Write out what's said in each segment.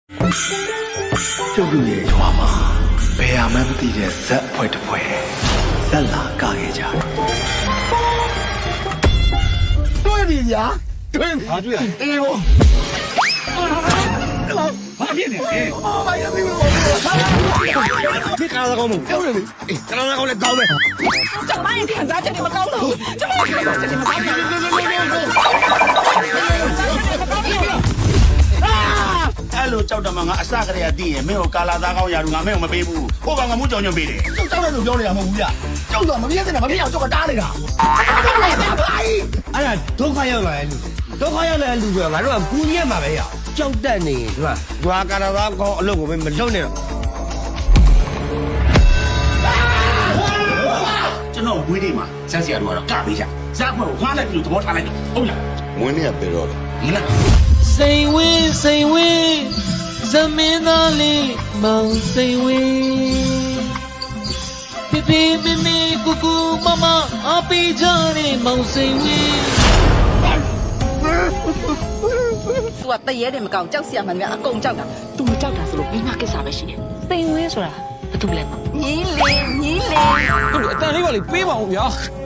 ကျုပ်တို့ရဲ့ရွာမှာဘယ်ဟာမှမသိတဲ့ဇက်အဖွဲ့တစ်ဖွဲ့ဇက်လာကခဲ့ကြတယ်တွေ့ပြီညာတွေ့ပြီဟာတွေ့ရအေးဘောဘာဖြစ်နေလဲဘာရပြီဒီကားကောင်းမပြောနေပြီအေးကားကောင်းလည်းကောင်းပဲကျမရဲ့ခံစားချက်တွေမကောင်းတော့ကျမရဲ့ခံစားချက်တွေမကောင်းတော့အဲ့လိုကြောက်တယ်မငါအစကတည်းကသိရင်မင်းကိုကာလာသားကောင်းရာလူငါမင်းကိုမပေးဘူးဟိုကောင်ကမှုကြောင်ညွန့်ပေးတယ်ကြောက်တယ်လို့ပြောနေတာမဟုတ်ဘူးဗျကြောက်တော့မပြည့်စင်တာမပြည့်အောင်ကြောက်ကတားနေတာအဲ့ဒါဒုက္ခရောက်လာတဲ့လူဒုက္ခရောက်လာတဲ့လူကငါတို့ကကူးရက်မှာပဲရကြောက်တတ်နေဒီမှာဒွာကာလာသားကောင်းအလုပ်ကိုမလုပ်နဲ့တော့ကျွန်တော်ဝေးလေးမှာဇက်စီယာတို့ကတော့ကပေးကြဇက်ဖွဲ့ကိုခွာလိုက်ပြီးသဘောထားလိုက်တယ်ဟုတ်လားမွေးနေ့ကပြေတော့တယ်ဒီလားစိန်ဝင်းသမင်းသားလေးမောင်စိန်ဝင်းပြပြမမကူကူမမအပေးကြတဲ့မောင်စိန်ဝင်းသူကတရေတယ်မကောင်းကြောက်စရာမှန်များအကုန်ကြောက်တာသူမကြောက်တာဆိုလို့မိမကိစ္စပဲရှိတယ်စိန်ဝင်းဆိုတာဘာတူလဲညီလေးဟုတ်တယ်အတန်လေးပါလေပေးပါဦးဗျာ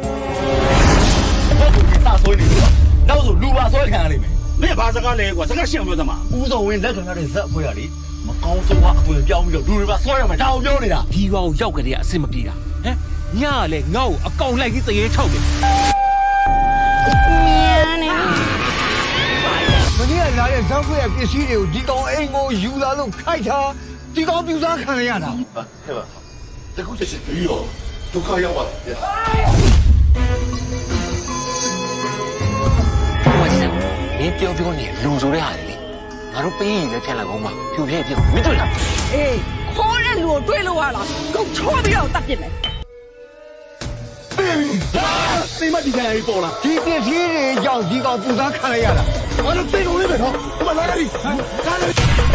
စာဆွဲနေပြီနောက်ဆိုလူပါဆွဲခံရလိမ့်မယ်မင်းဘာစကားလဲကွာစကားရှင်းအောင်ပြောသမားဦးစောဝင်းလက်ခံရတဲ့ဇက်အဖွဲ့ကလေမကောင်းဆုံးကအပွင့်ပြောင်းပြီးတော့လူတွေပါဆွဲရမှာဒါအောင်ပြောနေတာဒီကောင်ရောက်ကြတဲ့အဆင်မပြေတာဟမ်ညကလည်းငါ့ကိုအကောင်လိုက်ပြီးတရေထောက်တယ်မင်းကလာတဲ့ဇက်အဖွဲ့ရဲ့ပစ္စည်းတွေကိုဒီကောင်အိမ်ကိုယူလာလို့ခိုက်တာဒီကောင်ပြူစားခံရတာဟဲ့ပါတခုချက်ချင်းပြီးတော့ဒုက္ခရောက်ပါတယ်မင်းပြောနေလူဆိုတဲ့ဟာလေငါတို့ပေးရင်လည်းဖြတ်လိုက်အောင်ပါဖြူဖြည့်ပြမင်းတွေ့လားအေးခေါ်တဲ့လူကိုတွေးလို့ရလားကုန်ချောပြီးတော့တတ်ပြစ်မယ်သိမဒီတိုင်းပေါ်လာဒီပစ္စည်းတွေကြောင့်ဒီကောင်ပြူစားခံရတာဘာလို့သိလို့လဲပဲနော်ဒီမှာလာရပြီကားလေ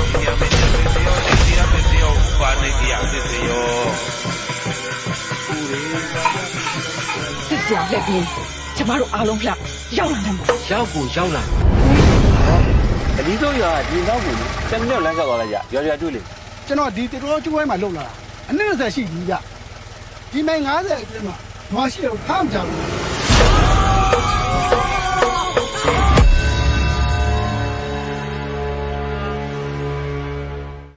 စစ်စရာလက်ပြီးကျမတို့အားလုံးဖျက်ရောက်လာတယ်ရောက်လာအဒီတော့ရဒီနောက်ကို7မိနစ်လမ်းလျှောက်သွားလိုက်ကြရွာတွေ့လေကျွန်တော်ဒီတေတော်ကျွဲမှာလုံလာတာအနည်း20ရှိပြီဗျဒီမိုင်90အတွင်းမှာဘာရှိတော့ထားမကြဘူး